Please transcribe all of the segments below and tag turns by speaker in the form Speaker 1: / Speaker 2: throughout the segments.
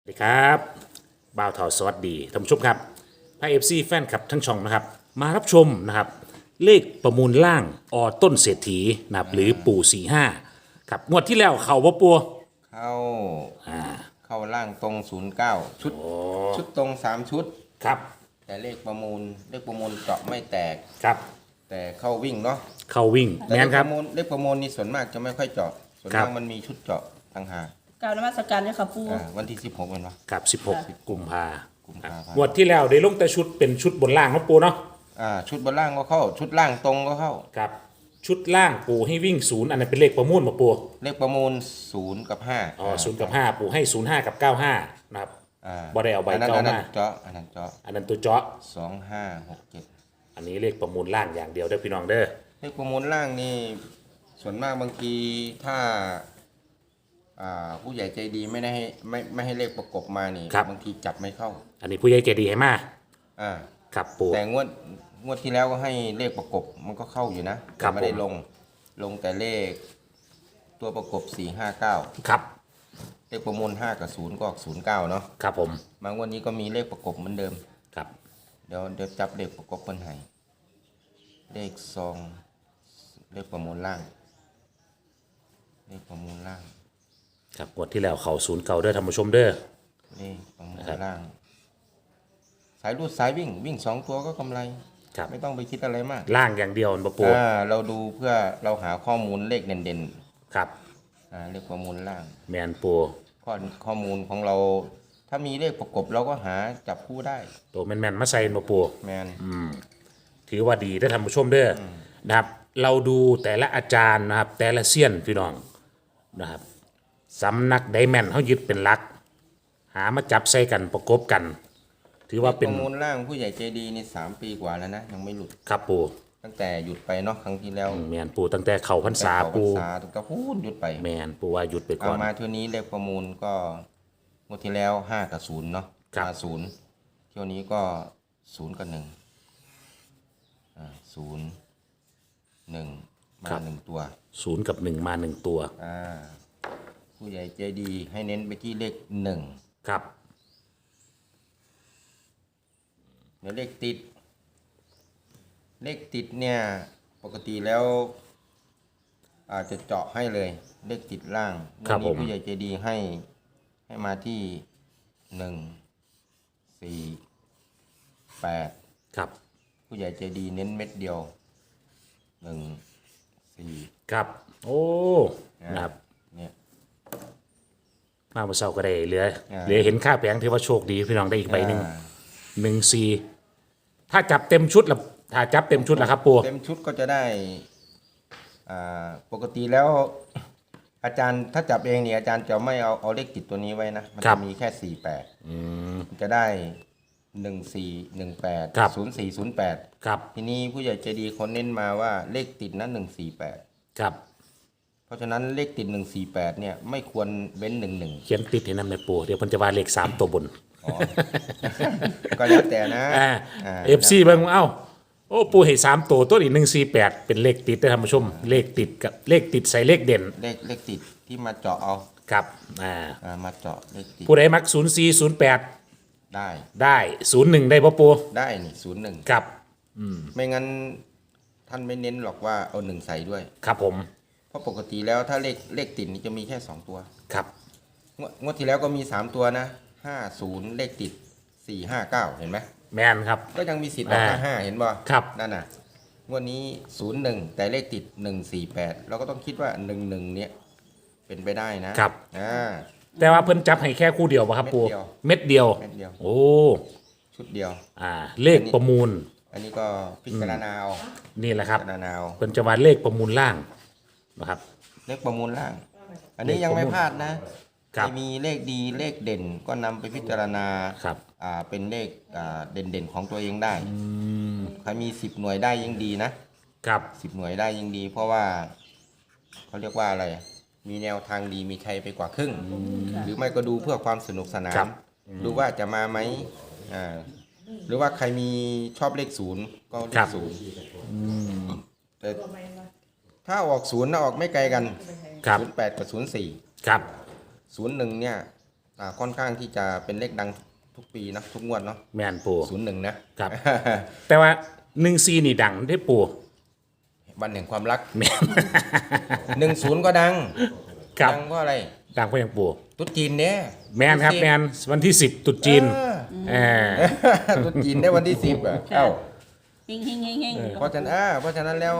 Speaker 1: สวัสดีครับบ่าวเถาสวัสดีท่านผู้ชมครับพระเอฟซีแฟนคลับทั้งช่องนะครับมารับชมนะครับเลขประมูลล่างต้นเศรษฐีนะครับหรือปู่45ครับงวดที่แล้วเขาบ่ปัว
Speaker 2: เข้าเข้าล่างตรง09ชุดตรง3 ชุด
Speaker 1: ครับ
Speaker 2: แต่เลขประมูลเจาะไม่แตก
Speaker 1: ครับ
Speaker 2: แต่เข้าวิ่งเนาะ
Speaker 1: เขาวิ่ง
Speaker 2: แต่
Speaker 1: แม่นครับ
Speaker 2: เลขประมูลนี่ส่วนมากจะไม่ค่อยเจาะส่วน
Speaker 1: ครั
Speaker 2: มา
Speaker 1: บ
Speaker 2: กมันมีชุดเจาะต่างหาก
Speaker 3: กรารนมัสการเนี่ยค่ะปู
Speaker 2: วันที่16เป็นวะ
Speaker 1: กับ16กุมภา
Speaker 2: กุมภาพันธ์
Speaker 1: งวดที่แล้วได้ลงแต่ชุดเป็นชุดบนล่างเนาะปูเนาะ
Speaker 2: ชุดบนล่างก็เข้าชุดล่างตรงก็เข้า
Speaker 1: ครับชุดล่างปูให้วิ่งศูนย์อันนั้นเป็นเลขประมูลมาปู
Speaker 2: เลขประมูล0 กับ 5
Speaker 1: 0 กับ5ปูให้05กับ95นะครับบ่ได้เอาใบ
Speaker 2: อันนั้น
Speaker 1: เก้า
Speaker 2: อันนั้
Speaker 1: มาน
Speaker 2: เจาะอันนั้นเจาะ
Speaker 1: อันนั้นตัวเจาะ
Speaker 2: 2567
Speaker 1: อันนี้เลขประมูลล่างอย่างเดียวเด้อพี่น้องเด้อ
Speaker 2: เลขประมูลล่างนี่ส่วนมากบางทีถ้าผู้ใหญ่ใจดีไม่ให้เลขประกบมานี่บางทีจับไม่เข้า
Speaker 1: อันนี้ผู้ใหญ่ใจดีให้มาครับปู
Speaker 2: แต่งวดที่แล้วก็ให้เลขประกบมันก็เข้าอยู่นะแต่ไม่ได้ลงแต่เลขตัวประกบ459
Speaker 1: ครับ
Speaker 2: เลขประมูล5กับ0ก็ออก09เนาะ
Speaker 1: ครับผม
Speaker 2: มางวดนี้ก็มีเลขประกบเหมือนเดิม
Speaker 1: ครับ
Speaker 2: เดี๋ยวจับเลขประกบคนให้เลขซองเลขประมูลล่างเลขประมูลล่าง
Speaker 1: ครับงวดที่แล้วเขา0 เก่าเด้อท่านผู้ชมเด้อ
Speaker 2: เลขประมูลล่างสายรูดสายวิ่ง2 ตัวก็กำไรไม่ต้องไปคิดอะไรมาก
Speaker 1: ล่างอย่างเดียวบ่ปู
Speaker 2: เราดูเพื่อเราหาข้อมูลเลขเด่น
Speaker 1: ๆครับ
Speaker 2: เลขประมูลล่าง
Speaker 1: แมนปู
Speaker 2: ข้อมูลของเราถ้ามีเลขประกบเราก็หาจับคู่ได้
Speaker 1: ตัวแมนๆมาใส่บ่ปู
Speaker 2: แมน
Speaker 1: ถือว่าดีได้อท่านผู้ชมเด้อนะครับเราดูแต่ละอาจารย์นะครับแต่ละเซียนพี่น้องนะครับสำนักไดแมนเขายึดเป็นหลักหามาจับใส่กันประกบกันถือว่าเป็น
Speaker 2: ประมูลล่างผู้ใหญ่ใจดีนี่3 ปีกว่าแล้วนะยังไม่หลุด
Speaker 1: ครับปู
Speaker 2: ตั้งแต่หยุดไปเนาะครั้งที่แล้ว
Speaker 1: แมนปูตั้งแต่เขาพรรษาปู
Speaker 2: ตั้งแต่พูดหยุดไป
Speaker 1: แมนปูว่าหยุดไปก่อน
Speaker 2: มาเที่ยวนี้เลขประมูลก็งวดที่แล้ว5กับ0เนาะมา0เที่ยวนี้ก็0กับ1 0 1มา1ตัว
Speaker 1: 0กับ1มา1ตัว
Speaker 2: ผู้ใหญ่ใจดีให้เน้นไปที่เลข1
Speaker 1: ครับ
Speaker 2: เดี๋ยวเลขติดเนี่ยปกติแล้วอาจจะเจาะให้เลยเลขติดล่างวันนี้ผู้ใหญ่ใจดีให้มาที่1 4 8
Speaker 1: ครับ
Speaker 2: ผู้ใหญ่ใจดีเน้นเม็ดเดียว1 4
Speaker 1: ครับโอ้นะครับ
Speaker 2: เนี่ย
Speaker 1: มาเมื่อเช้าก็ได้เหลือเห็นค่าแผงถือว่าโชคดีพี่น้องได้อีกใบหนึ่ง14ถ้าจับเต็มชุดละถ้าจับเต็มชุดละครับปู
Speaker 2: เต็มชุดก็จะได้ปกติแล้วอาจารย์ถ้าจับเองเนี่ยอาจารย์จะไม่เอาเลขติดตัวนี้ไว้นะมันจะมีแค่48จะได้14 18 04 08
Speaker 1: ครับ
Speaker 2: ทีนี้ผู้ใหญ่ใจดีคนเน้นมาว่าเลขติดนั้น148
Speaker 1: ครับ
Speaker 2: เพราะฉะนั้นเลขติด148เนี่ยไม่ควรเว้น11
Speaker 1: เขียนติดให้นำในปูเดี๋ยวเพิ่นจะว่าเลข3ตัวบน
Speaker 2: ก็แล้วแต่นะ
Speaker 1: FC เบิ่งเอ้าโอ้ปูให้3ตัวนี้148เป็นเลขติดได้ท่านผู้ชมเลขติดกับเลขติดใส่เลขเด่น
Speaker 2: เลขติดที่มาเจาะเอา
Speaker 1: ครับ
Speaker 2: มาเจาะเลขติด
Speaker 1: ผู้ใดมัก04 08ได้01ได้บ่ปู
Speaker 2: ได้นี่01
Speaker 1: ครับ
Speaker 2: ไม่งั้นท่านไม่เน้นหรอกว่าเอา1ใส่ด้วย
Speaker 1: ครับผม
Speaker 2: เพราะปกติแล้วถ้าเลขติดนี่จะมีแค่2ตัว
Speaker 1: ครับ
Speaker 2: งวดที่แล้วก็มี3ตัวนะ50เลขติด459เห็นไหม
Speaker 1: แมนครับ
Speaker 2: ก็ยังมีสิทธิ์ออก55เห็นบ่
Speaker 1: ครับ
Speaker 2: นั่นน่ะงวดนี้01แต่เลขติด148เราก็ต้องคิดว่า11เนี่ยเป็นไปได้นะครับ
Speaker 1: แต่ว่าเพิ่นจับให้แค่คู่เดียวป่ะครับปูเม็ดเดียวโอ้
Speaker 2: ชุดเดียว
Speaker 1: เลขประมูล
Speaker 2: อันนี้ก็พิจารณาเอา
Speaker 1: นี่แหละครับ
Speaker 2: พิจารณาเอา
Speaker 1: เพิ่นจะว่าเลขประมูลล่างนะครับ
Speaker 2: เลขประมูลล่าง อันนี้ยังไม่พลาดนะจะมีเลขดีเลขเด่นก็นำไปพิจารณาเป็นเลขเด่นของตัวเองได้ใครมี10หน่วยได้ยิ่งดีนะครับ10หน่วยได้ยิ่งดี เพราะว่าเขาเรียกว่าอะไรมีแนวทางดีมีชัยไปกว่าครึ่งหรือไม่ก็ดูเพื่อความสนุกสนานดูว่าจะมาไหมหรือว่าใครมีชอบเลข0ก็เลข0แต่ถ้าออก0นะออกไม่ไกลกัน08กับ04
Speaker 1: ครับ
Speaker 2: 01เนี่ยค่อนข้างที่จะเป็นเลขดังทุกปีนะทุกงวดเนาะ
Speaker 1: แม่นปู
Speaker 2: 01นะครับ
Speaker 1: แต่ว่า14นี่ดังได้ปู
Speaker 2: วันแห่งความรัก
Speaker 1: แม่น
Speaker 2: 10ก็ดัง
Speaker 1: ครับ
Speaker 2: ดังเพราะอะไร
Speaker 1: ดังเพราะหยังปู
Speaker 2: ตุ๊ดจีนเนี่ย
Speaker 1: แม่นครับแม่นวันที่10ตรุษจีนเออ
Speaker 2: ตุ๊ดจีนได้วันที่10อ่ะเอ้า
Speaker 3: เฮงเฮงเฮงเฮง
Speaker 2: เพราะฉะนั้นแล้ว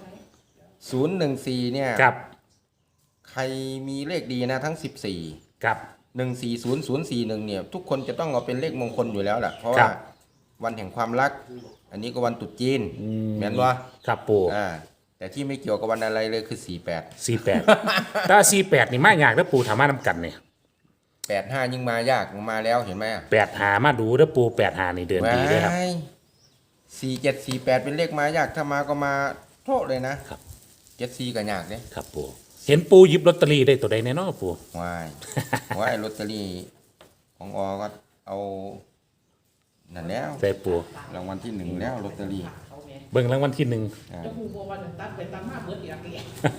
Speaker 2: 014เนี่ย
Speaker 1: ครับ
Speaker 2: ใครมีเลขดีนะทั้ง14
Speaker 1: ครับ
Speaker 2: 140041เนี่ยทุกคนจะต้องเอาเป็นเลขมงคลอยู่แล้วแหละเพราะ
Speaker 1: ครั
Speaker 2: ว่า
Speaker 1: บ
Speaker 2: วันแห่งความรัก อันนี้ก็วันตรุษจีนแม่นวะ
Speaker 1: ครับปู
Speaker 2: แต่ที่ไม่เกี่ยวกับวันอะไรเลยคือ48
Speaker 1: 48ถ้า48นี่มายากแล้วปูถามมานำกันเนี่ย
Speaker 2: 85ยิ่งมายากมาแล้วเห็นไหมอะ
Speaker 1: 8หามาดูแล้วปู8หานี่เดินดีเลยครับ
Speaker 2: 4748เป็นเลขมายากถ้ามาก็มาโทษเลยนะครับ 74ก็ยากเด้
Speaker 1: ครับปูเห็นปูหยิบลอตเตอรี่ได้ตัวใดแน่นอนปู
Speaker 2: ว้าย ว้ายลอตเตอรี่ของอก็เอานั่นแล้ว
Speaker 1: ใส่ปู
Speaker 2: รางวัลที่1แล้วลอตเตอรี่
Speaker 1: เบิ่งรางวัลที่
Speaker 2: อ่า
Speaker 4: จะหูบัววันตัดไปตัดมาเบิดอีกแล้ว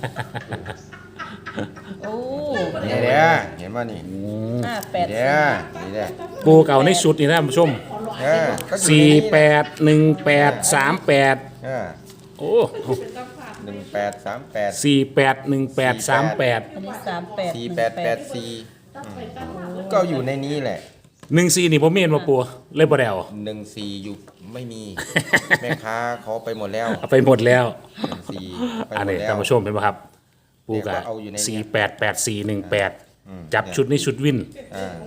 Speaker 3: โอ้
Speaker 2: นี่เด้อเห็นป่ะนี่
Speaker 3: 58
Speaker 2: เด้อนี่เด้อ
Speaker 1: 1ปูเก่าในชุดนี่นะท่านผู้ชม
Speaker 2: ก็อยู่ในนี้นะ
Speaker 1: 48 1838
Speaker 2: เออ
Speaker 1: โอ้
Speaker 2: 1838
Speaker 1: 48 1838
Speaker 3: อันนี้38
Speaker 2: 4884ก็อยู่ในนี้แหละ
Speaker 1: 14นี่บ่มีเห็นบ่ปูเลยบ่ได้เอา
Speaker 2: 14อยู่ไม่มี แม่ค้าเขาไปหมดแล้ว
Speaker 1: เอาไปหมดแล้ว
Speaker 2: 14ไป
Speaker 1: อัน
Speaker 2: หม
Speaker 1: นี้
Speaker 2: ดแล้ว
Speaker 1: ท่านผู้ชมเห็นป่ะครับ ปูกะ
Speaker 2: เนี่ยก็เอาอยู่ในนี้
Speaker 1: 488418 จับชุดนี้ชุดวิน
Speaker 2: อ่า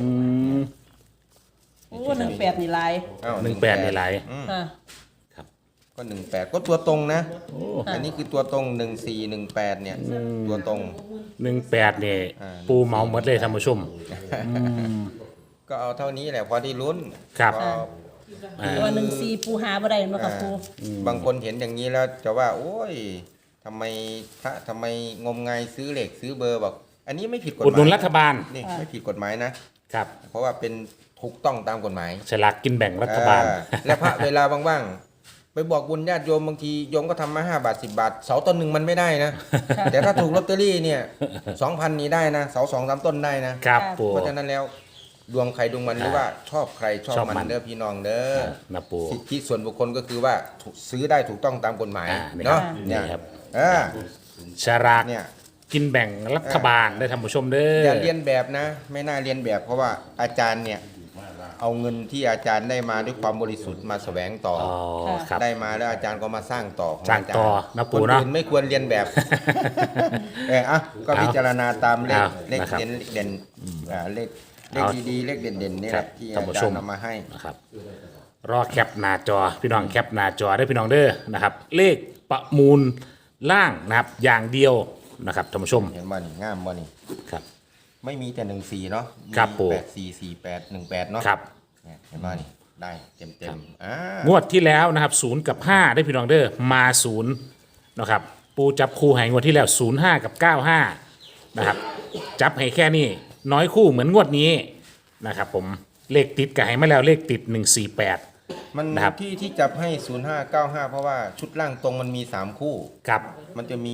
Speaker 3: โอ้18นี่ลาย
Speaker 2: อ้าว
Speaker 1: 18ในหลาย
Speaker 3: ค่ะ
Speaker 2: ก็18ก็ตัวตรงนะอันนี้คือตัวตรง1418เนี่ยตัวตรง
Speaker 1: 18นี่ปูเมาหมดเลยท่านผู้ชม
Speaker 2: ก็เอาเท่านี้แหละพอได้ลุ้น
Speaker 1: ครับ
Speaker 2: ก็
Speaker 3: แต่ว่า14ปูหาบ่ได้เนาะค่ะปู
Speaker 2: บางคนเห็นอย่างนี้แล้วจะว่า โอ้ยทำไมพระทำไมงมงายซื้อเหล็กซื้อเบอร์บอก อันนี้ไม่ผิดกฎห
Speaker 1: อุดหนุน
Speaker 2: มาย
Speaker 1: รัฐบาล
Speaker 2: นี่ไม่ผิดกฎหมายนะ เพราะว่าเป็นถูกต้องตามกฎหมาย
Speaker 1: ฉลากกินแบ่งรัฐบาล
Speaker 2: และพระเวลาว่างๆไปบอกบุญญาติโยมบางทีโยมก็ทำมา5 บาท 10 บาท เสาต้นหนึ่งมันไม่ได้นะ แต่ถ้าถูกลอตเตอรี่เนี่ย 2,000นี้ได้นะเสา2-3 ต้นได้นะ
Speaker 1: ครับปู
Speaker 2: เพราะฉะนั้นแล้วดวงใครดวงมันหรือว่าชอบใครชอบ
Speaker 1: ชอบมั
Speaker 2: มัน นเด้อพี่น้องเด้อ
Speaker 1: นะปู
Speaker 2: สิทธิส่วนบุคคลก็คือว่าซื้อได้ถูกต้องตามกฎหมาย
Speaker 1: นี่
Speaker 2: เนาะ
Speaker 1: นี่
Speaker 2: เนี่ย
Speaker 1: ครับ
Speaker 2: อ่า
Speaker 1: ฉลาก
Speaker 2: เนี่ย
Speaker 1: กินแบ่งรัฐบาลได้ท่านผู้ชมเด้อ
Speaker 2: อย่าเรียนแบบนะ ไม่น่าเรียนแบบเพราะว่าอาจารย์เนี่ยเอาเงินที่อาจารย์ได้มาด้วยความบริสุทธิ์มาแสวงต่อ
Speaker 1: อ๋อครับ
Speaker 2: ได้มาแล้วอาจารย์ก็มาสร้างต่อของ
Speaker 1: สร้างต่อ
Speaker 2: จย์
Speaker 1: นะปู่
Speaker 2: คน
Speaker 1: เนาะ
Speaker 2: อื่นไม่ควรเรียนแบบ ก็
Speaker 1: เอา
Speaker 2: พิจารณาตามเลข
Speaker 1: เอา
Speaker 2: เลข
Speaker 1: นะครับ
Speaker 2: เด่นเลข
Speaker 1: เอา
Speaker 2: ดีๆเลขเด่นๆนี่
Speaker 1: ค
Speaker 2: แห
Speaker 1: รับ
Speaker 2: ละที่
Speaker 1: ท่าน
Speaker 2: อา
Speaker 1: ผู้
Speaker 2: จา
Speaker 1: ช
Speaker 2: ร
Speaker 1: ม
Speaker 2: ย์นำมาให้
Speaker 1: นะครับรอแคปหน้าจอพี่น้องแคปหน้าจอได้พี่น้องเด้อนะครับ เลขประมูลล่างนะครับอย่างเดียวนะครับท่านผู้ชม
Speaker 2: เห็นบ่นี่งามบ่นี่
Speaker 1: ครับ
Speaker 2: ไม่มีแต่14เนาะ
Speaker 1: ครับปู่
Speaker 2: 844818เนาะ
Speaker 1: ครับ
Speaker 2: เนี่ยเห็นบ่นี่ได้เต็ม
Speaker 1: ครับ
Speaker 2: ๆ
Speaker 1: งวดที่แล้วนะครับ0กับ5ได้พี่น้องเด้อมา0นะครับปูจับคู่ให้งวดที่แล้ว05กับ95นะครับจับให้แค่นี้น้อยคู่เหมือนงวดนี้นะครับผมเลขติดกับให้มาแล้วเลขติด148
Speaker 2: มัน
Speaker 1: นะครับ
Speaker 2: ที่จับให้ 0595 เพราะว่าชุดล่างตรงมันมี 3 คู่
Speaker 1: กับ
Speaker 2: มันจะมี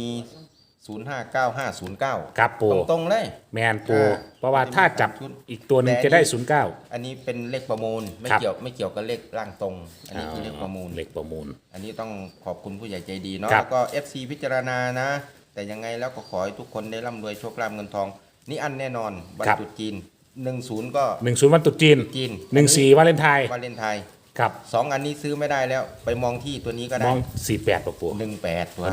Speaker 2: 059509
Speaker 1: กับปู
Speaker 2: ตรงๆเลย
Speaker 1: แมนปู
Speaker 2: อ่า
Speaker 1: เพราะว่าถ้าจับอีกตัวหนึงจะได้09
Speaker 2: อันนี้เป็นเลขประมูลไม่
Speaker 1: ครับ
Speaker 2: เกี่ยวกับเลขล่างตรง อันนี้คือเลขประมูล
Speaker 1: เลขประมูล
Speaker 2: อันนี้ต้องขอบคุณผู้ใหญ่ใจดีเนาะ
Speaker 1: ครับ
Speaker 2: แล้วก็ FC พิจารณานะ แต่ยังไงแล้วก็ขอให้ทุกคนได้ร่ำรวยโชคลาภเงินทอง นี่อันแน่นอนวันตรุษจีน10ก็
Speaker 1: 10วันตรุษจีน
Speaker 2: จีน
Speaker 1: 14วาเลนไทน์
Speaker 2: วาเลนไทน์
Speaker 1: ครับ
Speaker 2: 2 อันนี้ซื้อไม่ได้แล้ว ไปมองที่ตัวนี้ก็
Speaker 1: ม
Speaker 2: ได้
Speaker 1: อง48ปะปู
Speaker 2: 18ตัว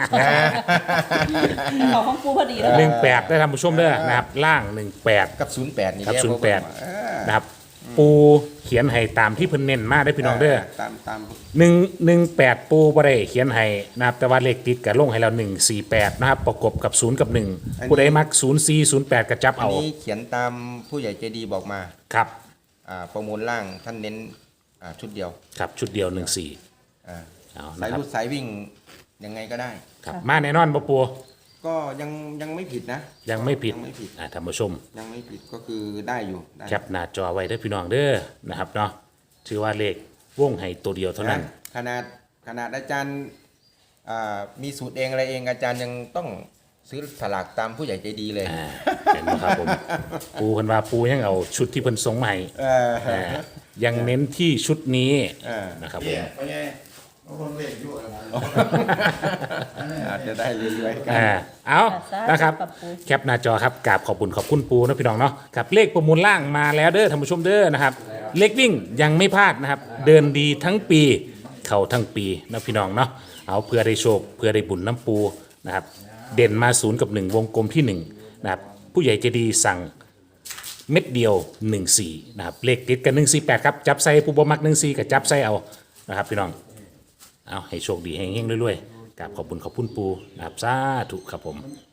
Speaker 3: เขาของปูพอดีแล้ว
Speaker 1: 18ได้ทำผู้ชมเด้อนะครับล่าง 18
Speaker 2: กับ 08 นี่
Speaker 1: กับ
Speaker 2: แหละ
Speaker 1: 08
Speaker 2: เพราะว่า
Speaker 1: นะครับปูเขียนให้ตามที่เพิ่นเน้นมาได้พี่น้องเด้อ
Speaker 2: ตาม
Speaker 1: 118ปูบ่ได้เขียนให้นะครับแต่ว่าเลขติดกับลงให้เรา148นะครับประกบกับ0กับ1ผู้ใดมัก04 08ก็จับ
Speaker 2: อัน
Speaker 1: เอา
Speaker 2: นี้เขียนตามผู้ใหญ่ใจดีบอกมา
Speaker 1: ครับ
Speaker 2: ประมูลล่างท่านเน้นชุดเดียว
Speaker 1: ครับชุดเดียว14
Speaker 2: อ่า
Speaker 1: เอา
Speaker 2: สา
Speaker 1: นะ
Speaker 2: ย
Speaker 1: ครับ
Speaker 2: รูดสายวิ่งยังไงก็ได้
Speaker 1: ครับมาแน่นอนบ่ปู
Speaker 2: ก็ยังไม่ผิดนะ
Speaker 1: ยังไม่ผิด
Speaker 2: ยังไม่ผิด
Speaker 1: ท่านผู้ชม
Speaker 2: ยังไม่ผิดก็คือได้อยู่ได้
Speaker 1: แคปหน้าจอไว้เด้อพี่น้องเด้อนะครับเนาะถือว่าเลขวงให้ตัวเดียวเท่านั้น
Speaker 2: ขนาดอาจารย์มีสูตรเองอะไรเองอาจารย์ยังต้องซื้อสลากตามผู้ใหญ่ใจดีเลย
Speaker 1: เห็นไหมครับผมปูเพิ่นว่าปูยังเอาชุดที่เพิ่นส่งมาให้ยังเน้นที่ชุดนี้นะครับผม
Speaker 5: ไปไงบางคนเรียกอยู่อะไร
Speaker 2: อาจจะได้เรื่อยๆกัน
Speaker 1: เอานะครับแคปหน้าจอครับกราบขอบคุณปูนะพี่น้องเนาะครับเลขประมูลล่างมาแล้วเด้อท่านผู้ชมเด้อนะครับเลขวิ่งยังไม่พลาดนะครับเดินดีทั้งปีเข้าทั้งปีนะพี่น้องเนาะเอาเพื่อได้โชคเพื่อได้บุญน้ำปูนะครับเด่นมา0 กับ 1วงกลมที่1นะครับผู้ใหญ่ใจดีสั่งเม็ดเดียว14นะครับเลขติดกัน148ครับจับใส่ผู้บ่มัก14กับจับใส่เอานะครับพี่น้องเอาให้โชคดีให้เฮงๆรวยๆกราบขอบคุณปูนะครับสาธุครับผม